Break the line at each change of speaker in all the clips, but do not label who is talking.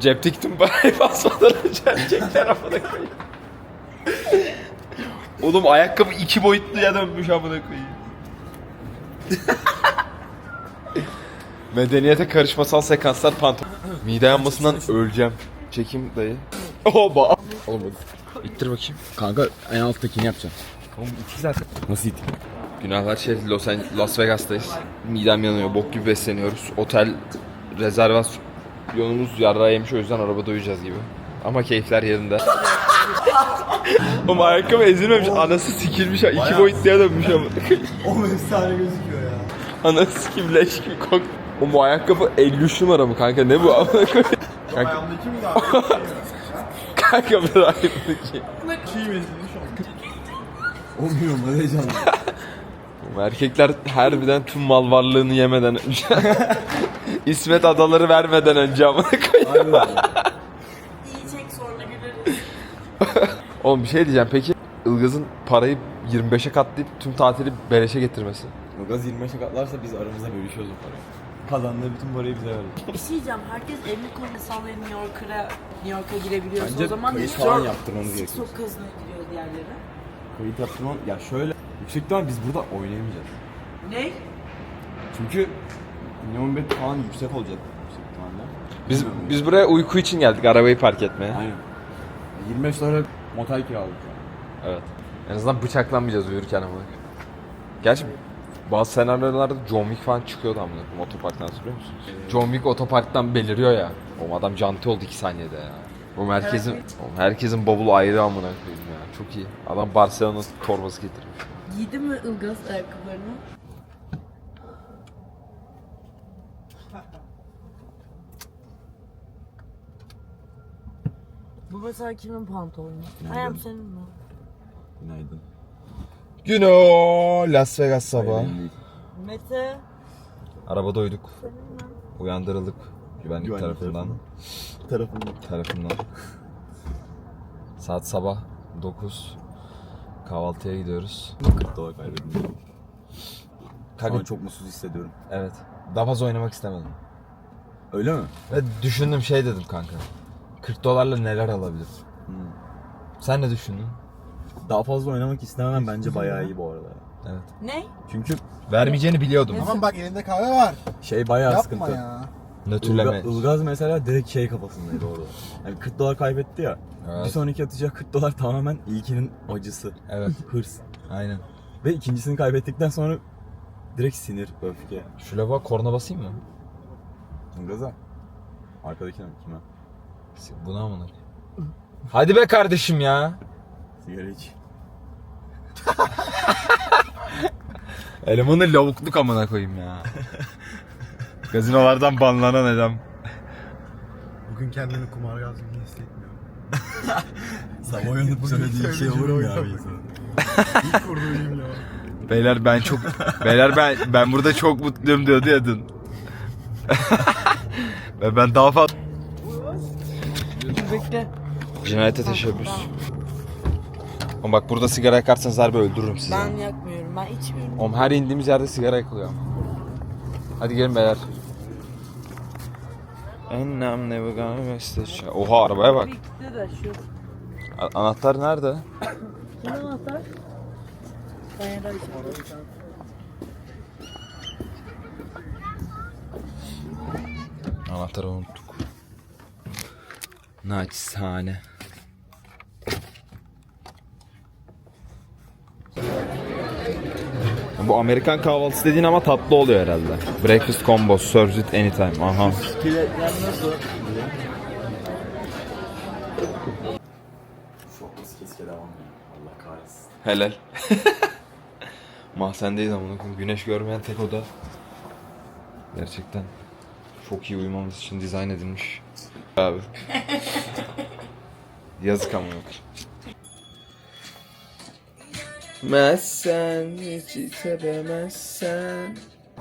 Cepteki tüm parayı basmadan önce çek tarafına koyayım. Oğlum ayakkabı 2 boyutluya dönmüş amına koyayım. Medeniyete karışmasal sekanslar pantolon. Mide yanmasından öleceğim. Çekim dayı. Oba. Oğlum ittir bakayım.
Kanka en alttakini yapacağım.
Oğlum iki zaten.
Nasıl it?
Günahlar şey Las Vegas'tayız. Midem yanıyor, bok gibi besleniyoruz. Otel rezervasyonumuz yarrağı yemiş, o yüzden arabada uyuyacağız gibi. Ama keyifler yerinde. Oğlum ayakkabı ezilmemiş, anası sikilmiş, 2 boyutluya dönmüş ama.
O efsane gözüküyor ya.
Anası sikim leş gibi kok. Oğlum bu ayakkabı 53 numara mı kanka, ne bu amına koyayım?
Ayağımdaki mi daha?
Kanka bir ayağımdaki.
Çiğ bezilmiş o. Olmuyor mu heyecanlı?
Erkekler harbiden tüm mal varlığını yemeden önce İsmet adaları vermeden önce amına koyayım.
Yiyecek sonra güleriz.
Oğlum bir şey diyeceğim, peki Ilgaz'ın parayı 25'e katlayıp tüm tatili beleşe getirmesi?
Ilgaz 25'e katlarsa biz aramızda bölüşüyoruz o parayı. Kazandığı bütün parayı bize verdi.
Bir şey diyeceğim. Herkes evli konu insanları New York'a girebiliyorsa
Bence
o zaman
kayıt
New
falan
York
yaptırmamız gerekiyor.
Çok kazına gidiyor diğerleri.
Kayıt yaptırmam... Ya şöyle... Yüksek ihtimal biz burada oynayamayacağız.
Ne?
Çünkü minimum bet falan yüksek olacak yüksek ihtimalle.
Biz buraya uyku için geldik, arabayı park etmeye.
Aynen. 25 dolara motel kiraladık.
Evet. En azından bıçaklanmayacağız uyurken amına. Gerçi bazı senaryolarda John Wick falan çıkıyordu amına koyayım, otoparktan, hatırlıyor musunuz? John Wick otoparktan beliriyor ya. O adam canti oldu 2 saniyede ya. Oğlum herkesin bavulu ayrı amına koyayım ya. Çok iyi. Adam Barcelona torbası getirmiş.
Giydi mi Ilgaz ayakkabılarını? Bu mesela kimin pantolonu? Ayağım senin mi?
Günaydın.
Güno Las Vegas sabahı.
Mete.
Arabada uyuduk. Uyandırıldık güvenlik tarafından. Tarafından. Saat sabah 9. Kahvaltıya gidiyoruz.
40 dolar kaybettim. Şu an çok mutsuz hissediyorum.
Evet. Daha fazla oynamak istemedim.
Öyle mi?
Ve düşündüm, şey dedim kanka. 40 dolarla neler alabilir? Sen ne düşündün?
Daha fazla oynamak istememem bence bayağı iyi bu arada.
Evet.
Ne?
Çünkü
Vermeyeceğini biliyordum.
Aman bak elinde kahve var.
şey bayağı
Yapma
sıkıntı.
ya.
Nötrleme.
Ilgaz mesela direkt şey kafasındaydı orada. Yani 40 dolar kaybetti ya.
Evet.
Bir sonraki atacağı 40 dolar tamamen ilkinin acısı.
Evet.
Hırs.
Aynen.
Ve ikincisini kaybettikten sonra direkt sinir, öfke.
Şu lavuğa korna basayım mı?
Ilgaz'a. Arkadakine mi? Kime?
Buna amına. Hadi be kardeşim ya.
Sigara iç.
Elemanı lavukluk amına koyayım ya. Gazinolardan banlanan adam.
Bugün kendimi kumarbaz gibi hissetmiyorum.
Sabah uyanıp söylediği şey olur mu ya bir insanın?
İlk kurduğum cümle o.
Beyler ben burada çok mutluyum diyordu ya dün. Ve ben daha fazla...
Bekle.
Cinayete teşebbüs. Oğlum bak, burada sigara yakarsanız harbi öldürürüm sizi.
Ben yakmıyorum. Ben içmiyorum.
Oğlum her indiğimiz yerde sigara yakılıyor. Hadi gelin beyler. And I'm never gonna miss the show. Oha, arabaya bak.
Birlikte de şu.
Anahtar nerede?
Kim anahtar? Ben de
Anahtarı unuttuk. Naçizane. Bu Amerikan kahvaltısı dediğin ama tatlı oluyor herhalde. Breakfast combo, serves it anytime. Aha.
Biletler nasıl? Şokması keşke devam ya. Allah kahretsin.
Helal. Mahzendeyiz ama güneş görmeyen tek oda. Gerçekten çok iyi uyumamız için dizayn edilmiş. Abi. Yazık ama yok. Mezsen hiç sevemezsen.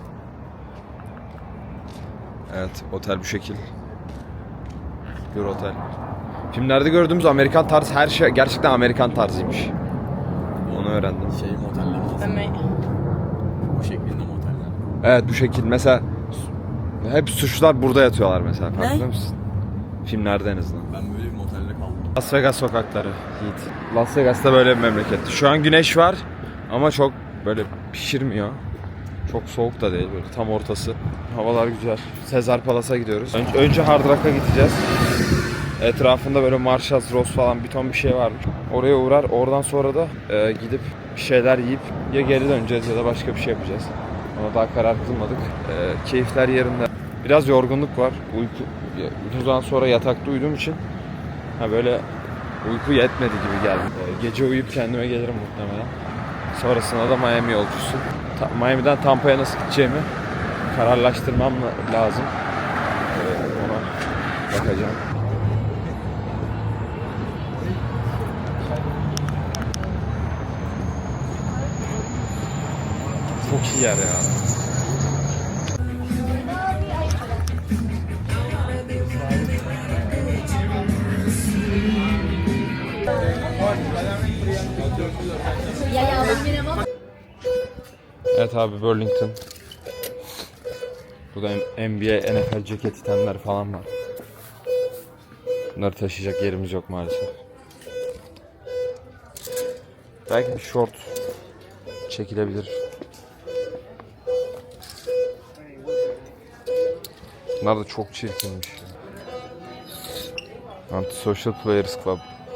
Evet, otel bu şekil. Bir otel. Filmlerde gördüğümüz Amerikan tarzı her şey gerçekten Amerikan tarzıymış. Onu öğrendim.
Şey moteller. Bu şeklinde moteller.
Evet, bu şekil. Mesela hep suçlular burada yatıyorlar mesela. Farkında mısın? Filmlerde en azından.
Ben böyle bir motelde kaldım.
Las Vegas sokakları Yiğit. Las Vegas'ta böyle bir memleket. Şu an güneş var ama çok böyle pişirmiyor. Çok soğuk da değil, böyle tam ortası. Havalar güzel. Caesar Palace'a gidiyoruz. Önce Hard Rock'a gideceğiz. Etrafında böyle Marshalls, Ross falan bir ton bir şey varmış. Oraya uğrar. Oradan sonra da gidip bir şeyler yiyip ya geri döneceğiz ya da başka bir şey yapacağız. Ona daha karar kılmadık. Keyifler yerinde. Biraz yorgunluk var. Uzun zaman sonra yatakta uyuduğum için böyle uyku yetmedi gibi geldi. Gece uyuyup kendime gelirim muhtemelen. Sonrasında da Miami yolcusu. Miami'den Tampa'ya nasıl gideceğimi kararlaştırmam lazım. Ona bakacağım. Çok iyi yer ya. Evet abi, Burlington. Burada NBA, NFL ceket itenler falan var. Bunları taşıyacak yerimiz yok maalesef. Belki bir short çekilebilir. Bunlar da çok çirkinmiş. Anti-Social Players Club.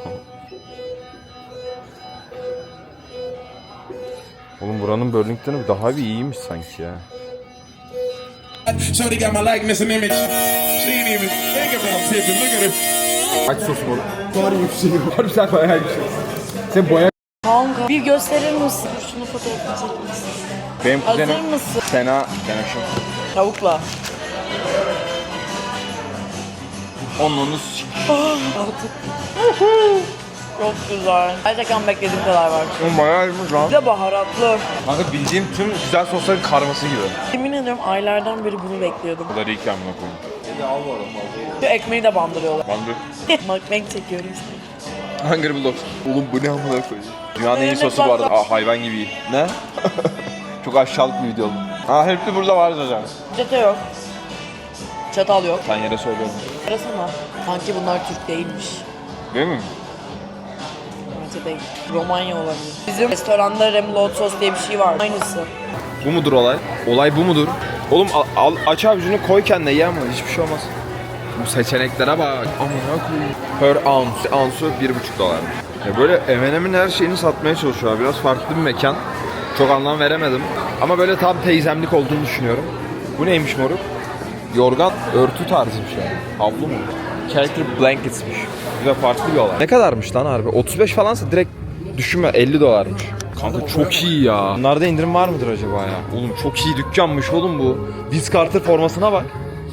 Oğlum buranın Burlington'ı daha bir iyiymiş sanki ya.
Shorty got my likeness and image. She ain't even thinking about tipping. Look at her.
Aç sosu oğlum. Var bir şey var. Harbiden bayağı bir şey. Sen boya...
Kanka bir gösterir misin? Şunu fotoğrafını çekmek istiyorum.
Benim kuzenim
Hazır mısın?
Sena şu.
Tavukla.
Onunuz
Çok güzel. Gerçekten beklediğim kadar var.
bayağı iyiymiş lan.
Bir de baharatlı.
Kanka bildiğim tüm güzel sosların karması gibi.
Yemin ediyorum aylardan beri bunu bekliyordum.
Bu da iyi ki amına koyayım.
Şu ekmeği de bandırıyorlar.
Bandı.
Ekmek çekiyorum işte.
Hungry Bulldogs. Oğlum bu ne amına koyayım. Dünyanın en iyi sosu bu arada. Hayvan gibi iyi. Ne? Çok aşağılık bir video oldu. Hepsi burada var zaten.
Çete yok. Çatal yok.
Sen yere söylüyorum.
Arasana. Sanki bunlar Türk değilmiş.
Değil mi?
Bence değil. Romanya olabilir. Bizim restoranda remoulade sos diye bir şey var. Aynısı.
Bu mudur olay? Olay bu mudur? Oğlum aç avucunu koy kendine ye ama hiçbir şey olmaz. Bu seçeneklere bak. Amına koyayım. Per ounce. Ounce'u $1,5. Ya böyle M&M'in her şeyini satmaya çalışıyorlar. Biraz farklı bir mekan. Çok anlam veremedim. Ama böyle tam teyzemlik olduğunu düşünüyorum. Bu neymiş moruk? Yorgan örtü tarzı bir şey. Havlu mu? Character blankets'miş. Güzel, farklı bir olay. Ne kadarmış lan harbi? 35 falansa direkt düşünme, $50'mış. Kanka çok iyi ya. Bunlarda indirim var mıdır acaba ya? Oğlum çok iyi dükkanmış oğlum bu. Vince Carter formasına bak.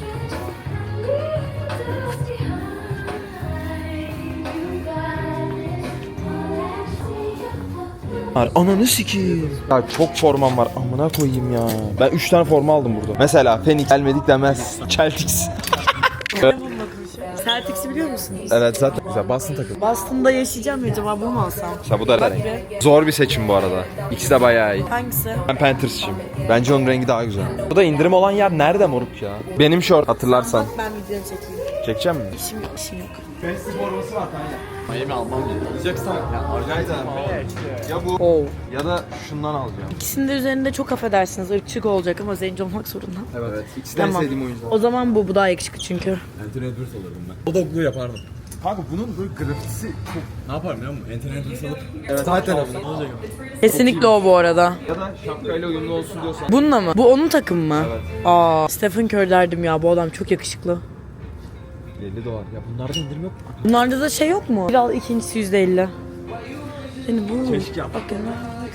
Ananı sikeyim. Ya çok formam var, amına koyayım ya. Ben 3 tane forma aldım burada. Mesela Phoenix gelmedik demez. Celtics.
Celtics'i biliyor musunuz?
Evet zaten güzel. Boston takım.
Boston'da yaşayacağım ya, acaba bunu mu alsam?
Mesela bu da
Bak
renk.
be.
Zor bir seçim bu arada. İkisi de bayağı iyi.
Hangisi?
Ben Panthers'çıyım. Bence onun rengi daha güzel. Bu da indirim olan yer nerede moruk ya? Benim short, hatırlarsan.
Ben videonu çekeyim.
Çekeceğim mi?
İşim yok, işim yok.
Fantasy forması var kanka. Miami almam gerekiyor. Alacaksam yani Arjantin'den ya bu
Oh.
ya da şundan alacağım.
İkisinin de üzerinde çok affedersiniz ırkçılık olacak ama zenci olmak zorunda.
Evet. İkisi de en
Tamam.
sevdiğim oyuncular.
O zaman bu daha yakışıklı çünkü.
Anthony Edwards alırdım ben. O dogluğu yapardım. Kanka bunun böyle grafitisi çok... Ne yaparım biliyor musun? Anthony Edwards alıp... Evet. Sağ tarafına. Ne olacak?
Kesinlikle o bu arada.
Ya da şapkayla uyumlu olsun diyorsan.
Bununla mı? Bu onun takımı mı? Evet. Stephen Curry derdim ya, bu adam çok yakışıklı.
$50. Ya bunlarda indirim yok mu?
Bunlarda da şey yok mu? Bir al, ikincisi %50. Yani bu.
Keşke yap.
Bakın.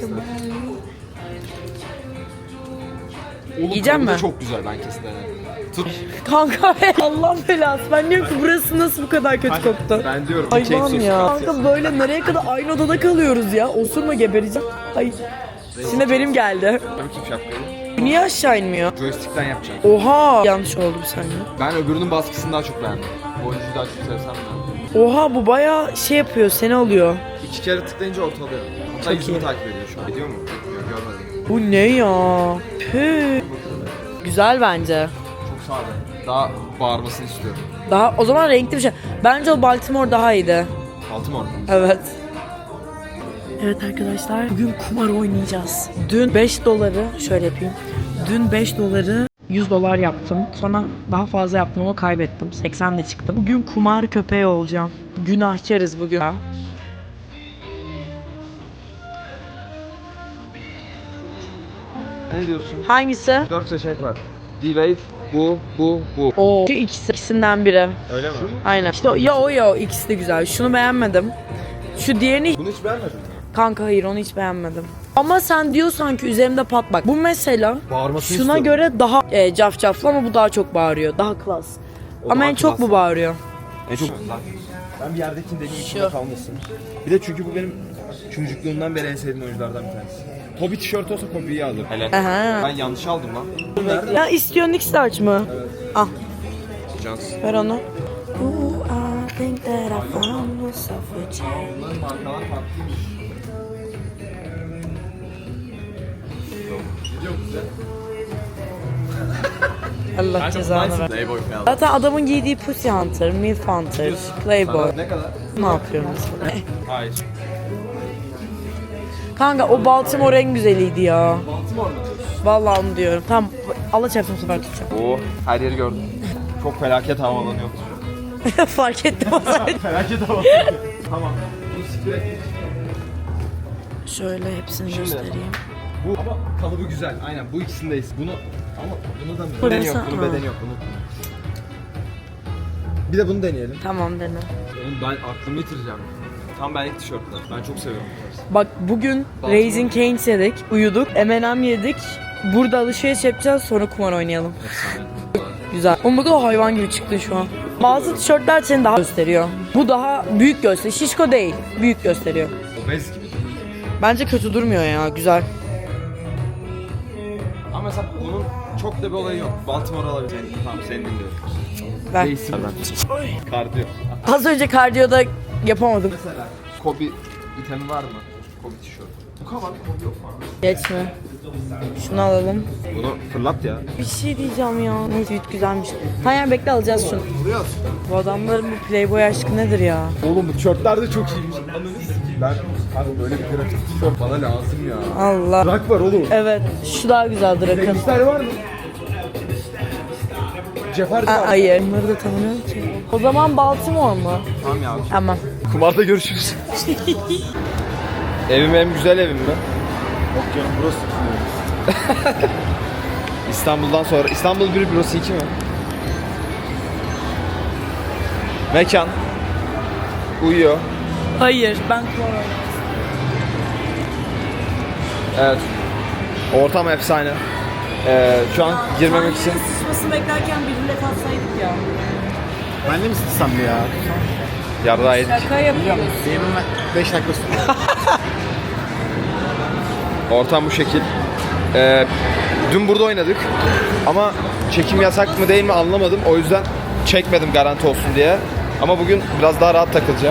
Oğlum
Yiyeceğim
kabuğu da
mi?
çok güzel, ben kesin denerim. Tut.
Kanka Allah'ın belası. Ben diyorum ki burası nasıl bu kadar kötü koktu?
Ben diyorum.
Hayvan ya. Kanka böyle nereye kadar aynı odada kalıyoruz ya. Osurma, gebereceğim. Ay. Şimdi benim geldi.
Bakayım şapkayı.
Niye aşağı inmiyor?
Joystick'ten yapacağım.
Oha. Yanlış oldu bir saniye.
Ben öbürünün baskısını daha çok beğendim. Bu oyuncuyu daha çok sevsem de.
Oha, bu bayağı şey yapıyor, seni alıyor.
2 kere tıklayınca ortalıyor. Hatta
Çok
yüzümü
iyi.
takip ediyor şu an. Ediyor mu? Yok, görmedim.
Bu ne ya? Püh. Güzel bence.
Çok sade. Daha bağırmasını istiyorum.
Daha o zaman renkli bir şey. Bence o Baltimore daha iyiydi.
Baltimore.
Evet. Evet arkadaşlar bugün kumar oynayacağız. Dün 5 doları şöyle yapayım. Dün 5 doları 100 dolar yaptım. Sonra daha fazla yaptım ama kaybettim. 80'le çıktım. Bugün kumar köpeği olacağım. Günahkarız bugün.
Ne diyorsun?
Hangisi?
4 seçenek var. D-Wave, bu.
O ikisinden biri.
Öyle mi?
Aynen. İşte ya o ya o ikisi de güzel. Şunu beğenmedim. Şu diğerini
Bunu hiç beğenmedin mi?
kanka hayır onu hiç beğenmedim. Ama sen diyorsan ki üzerimde pat bak. Bu mesela
Bağırmasını
şuna
istiyorum.
göre daha cafcaflı ama bu daha çok bağırıyor. Daha klas.
O
Ama
daha
en çok
klas.
bu bağırıyor.
En çok...
Ben bir yerdekini deneyim,
Şu.
içinde kalmasın. Bir de çünkü bu benim çocukluğumdan beri en sevdiğim oyunculardan bir tanesi. Kobe tişörtü olsa Kobe'yi alırım.
Helal.
Aha.
Ben yanlış aldım lan.
Ya istiyorsun X-Large mı? Al.
Cans.
Ver onu. Ooh, I think that I found myself a change. Allah cezanı ver.
Playboy falan.
Zaten adamın giydiği Pussy Hunter, Milf Hunter, Playboy.
Ne kadar?
Ne yapıyorum mesela?
Hayır.
Kanka o Baltimore en güzeliydi ya.
Baltimore mu?
Vallahi onu diyorum. Tamam Allah çarpsın bu sefer tutacağım.
Oo, her yeri gördüm. Çok felaket havalanıyor.
Fark ettim o zaman.
Felaket hava. Tamam. Bunu siktir et.
Şöyle hepsini göstereyim.
Bu ama kalıbı güzel. Aynen bu ikisindeyiz. Bunu ama bunu da mı?
Bu
Bedeni
mesela-
yok. Bunun
Ha.
bedeni yok. Bunu. Bir de bunu deneyelim.
Tamam dene.
Oğlum ben aklımı yitireceğim. Tam benlik tişörtler. Ben çok seviyorum bu tarz.
Bak bugün Raising Cane's yedik, uyuduk, M&M yedik. Burada alışveriş yapacağız sonra kumar oynayalım. Güzel. Ama bu da hayvan gibi çıktı şu an. Bazı tişörtler seni daha gösteriyor. Bu daha büyük gösteriyor. Şişko değil, büyük gösteriyor.
Obez gibi.
Bence kötü durmuyor ya, güzel.
Ama mesela bunun çok da bir olayı yok. Baltimore alabilir. Tamam seni dinliyorum.
Ver.
Değilsin ben. Kardiyo.
Az önce kardiyoda yapamadım.
Kobe itemi var mı? Kobe tişört. Bu kadar Kobe yok mu?
Geçme. Şunu alalım.
Bunu fırlat ya.
Bir şey diyeceğim ya. Neyse büyük güzelmiş. Hayır bekle alacağız şunu. Bu adamların bu Playboy aşkı nedir ya?
Oğlum bu tişörtler de çok iyiymiş. Ben abi böyle bir grafik tişört bana lazım ya.
Allah.
Rock var oğlum.
Evet, şu daha güzel Drak'ın.
Renkler var mı? Cefer var.
Hayır. Bunları da tanımıyorum ki. O zaman Baltimore mu?
Tamam ya.
Tamam.
Kumarda görüşürüz. Evim en güzel evim mi?
Yok canım burası.
İstanbul'dan sonra. İstanbul 1 burası 2 mi? Mekan. Uyuyor.
Hayır, ben kumar oynadım.
Evet. Ortam efsane. Şu an girmemek için
Sıçmasını beklerken bir bilet atsaydık ya.
Ben de mi sıksam ya?
yardığa yedik.
Şaka yapıyoruz.
Benim 5 dakika sonra.
Ortam bu şekil. Dün burada oynadık. Ama çekim yasak mı değil mi anlamadım. O yüzden çekmedim garanti olsun diye. Ama bugün biraz daha rahat takılacağım.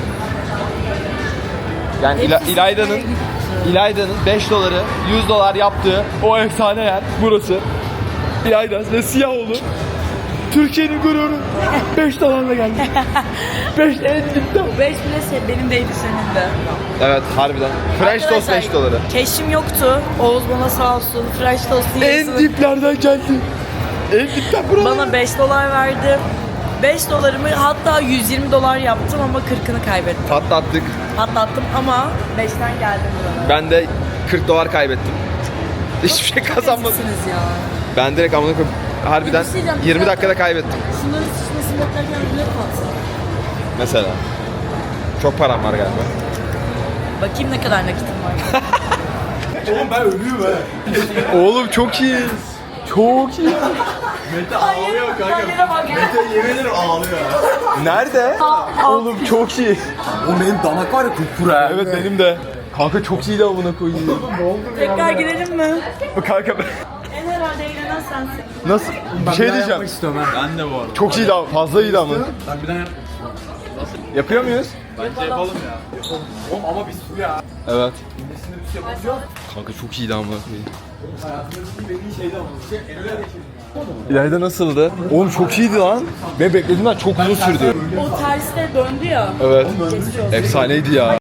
Yani İlayda'nın 5 doları 100 dolar yaptığı o efsane yer burası. İlayda ve Siyahoğlu. Türkiye'nin gururu. 5 dolarla geldi. 5 en dipten.
5 bile benim değildi senin de.
Evet harbiden. French toast 5 doları.
Keşim yoktu. Oğuz bana sağ olsun French toast'un
En
yarısını
diplerden geldi. En dipten buralar.
bana 5 dolar verdi. 5 dolarımı hatta 120 dolar yaptım ama 40'ını kaybettim.
Patlattık.
Patlattım ama 5'ten geldim buralara.
Ben de 40 dolar kaybettim. Hiçbir şey kazanmadım.
Ezikisiniz ya.
Ben direkt amına koyayım harbiden
Bir şey diyeceğim,
20
güzel.
dakikada kaybettim
Şunların sıçmasını beklerken bilet atsam.
mesela. Çok param var galiba.
Bakayım ne kadar nakitim var.
Oğlum ben ölüyorum he.
Oğlum çok iyi. Çok iyi.
Mete ağlıyor kanka.
Haline bak.
Mete yemin ederim ağlıyor ya.
Nerede? Oğlum çok iyi.
Oğlum benim damak var ya kupkuru.
Evet benim de. Kanka çok iyi de amına koyayım.
Tekrar girelim mi?
Kanka ben...
En herhalde eğlenen sensin.
Nasıl? Bir şey diyeceğim.
Yapmak istiyorum ha. Ben de bu arada.
Çok iyi de fazla iyi de ama.
Ben bir daha yap.
Yapıyor muyuz?
Bence yapalım ya. Oğlum ama bir su ya.
Evet.
Nesinde bir şey yapabiliyor.
Kanka çok iyi de amına koyayım.
Hayatımda dediğin şeydi ama. En öyle geçelim ya.
İlayda nasıldı? Oğlum çok iyiydi lan. Ben beklediğimden çok uzun sürdü.
O terste döndü ya.
Evet. Efsaneydi ya.